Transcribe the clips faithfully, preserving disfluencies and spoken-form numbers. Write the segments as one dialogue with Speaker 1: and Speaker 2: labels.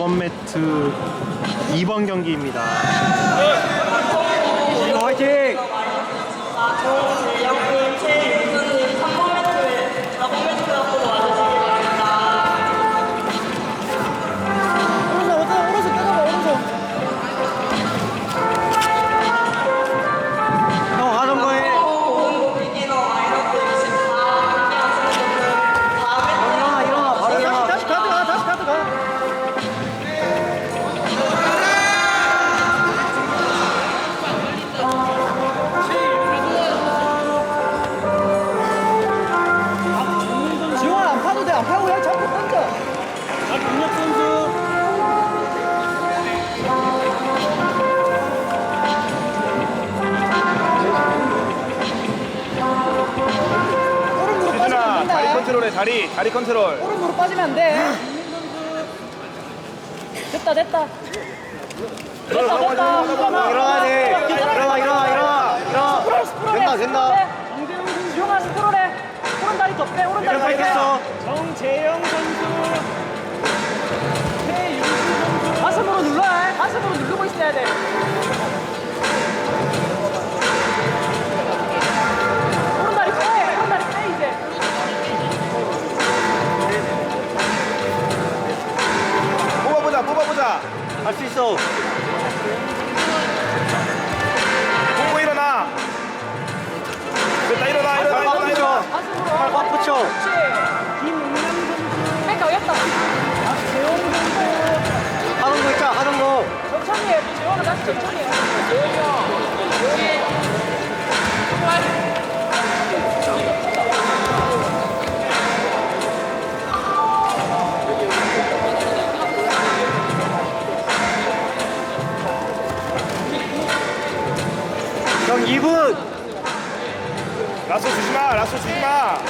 Speaker 1: 번 매트 이 번 경기입니다.
Speaker 2: 화이팅!
Speaker 3: 컨트롤해. 다리 다리 컨트롤.
Speaker 4: 오른으로 빠지면 안 돼. 됐다 됐다. 됐다 됐다.
Speaker 2: 일어나야 돼. 일어나 일어나 일어나 일어나. 된다 된다.
Speaker 4: 주영아 스크롤해. 오른 다리 더 빼. 오른 다리 더 빼.
Speaker 2: 일어나.
Speaker 4: 정재영 선수. 최윤수 선수. 가슴으로 눌러야 해. 가슴으로 누르고 있어야 돼. 오른 다리 빼. 오른 다리 빼 이제.
Speaker 3: 뽑아보자 뽑아보자.
Speaker 2: 할 수 있어.
Speaker 3: 보고 일어나. 됐다 일어나 일어나 일어나 일어나.
Speaker 2: 팔 꽉 붙여.
Speaker 4: 그렇지. 김은남 선수. 백 가겠다. 박재원 선수.
Speaker 2: 하는 거 있자 하는 거.
Speaker 4: 천천히 해. 재원아 다시 천천히 해. 재원이 형.
Speaker 2: 형 이 분.
Speaker 3: 라쏘 주지마 라쏘 주지마.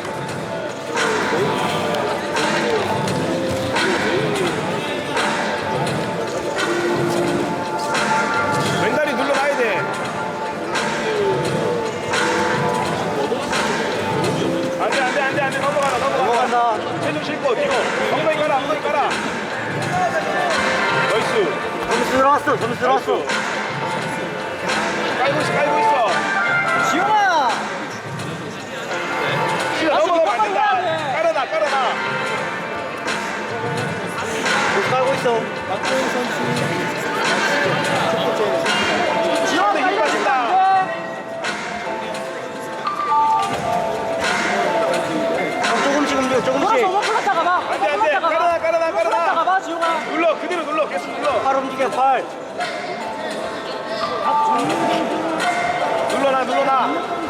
Speaker 3: 왼다리 눌러놔야 돼. 안돼 안돼 안돼 안돼 넘어가라 넘어가라.
Speaker 2: 넘어간다.
Speaker 3: 체중 싣고 뒤로 엉덩이 깔아 엉덩이 깔아. 나이스.
Speaker 2: 점수 들어왔어. 점수 들어왔어.
Speaker 3: 깔고 있어 깔고 있어.
Speaker 4: 지용아.
Speaker 3: 넘어가면 안 된다. 깔아놔 깔아놔.
Speaker 2: 점수 깔고 있어.
Speaker 4: 지용아
Speaker 3: 힘
Speaker 4: 빨리
Speaker 3: 빠진다.
Speaker 4: 안 돼.
Speaker 2: 형 조금씩 움직여 조금씩.
Speaker 4: 돌아서 오버플러스 가봐.
Speaker 3: 안돼 안돼 깔아놔 깔아놔
Speaker 4: 오버플러스
Speaker 3: 깔아놔.
Speaker 4: 가봐 지용아.
Speaker 3: 눌러 그대로 눌러 계속 눌러.
Speaker 2: 팔 움직여 팔.
Speaker 3: 눌러놔 눌러놔.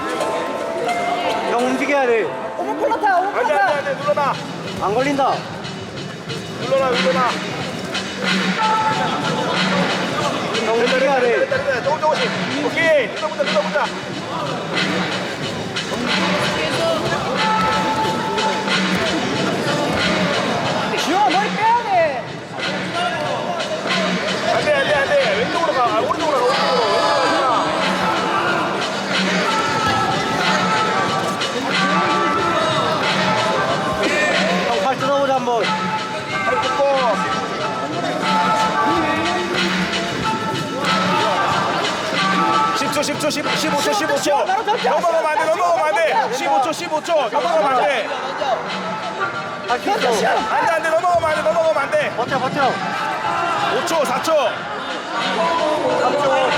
Speaker 2: 형 움직여야 돼.
Speaker 4: 오버플러스
Speaker 3: 안돼 안돼
Speaker 4: 오버플러스.
Speaker 3: 안돼 눌러놔.
Speaker 2: 안 걸린다.
Speaker 3: 눌러놔 눌러놔.
Speaker 2: 형 움직여야 돼.
Speaker 3: 됐다 됐다 조금 조금씩. 오케이 눌러보자 눌러보자.
Speaker 4: 지용아 머리 빼야 돼.
Speaker 3: 안돼 안돼 안돼 왼쪽으로 가. 아, 오른쪽으로 가 오른쪽으로. 왼쪽으로 가.
Speaker 2: 형 팔 뜯어보자 한번.
Speaker 3: 팔 뜯고. 십 초 십 초 십, 십오 초 십오 초. 넘어가면 안 돼 넘어가면 안 돼. 십오 초 십오 초 넘어가면 안 돼.
Speaker 2: 할 수 있어.
Speaker 3: 안돼 안돼 넘어가면 안 돼 넘어가면 안 돼.
Speaker 2: 버텨 버텨.
Speaker 3: 오 초 사 초.
Speaker 2: 삼 초.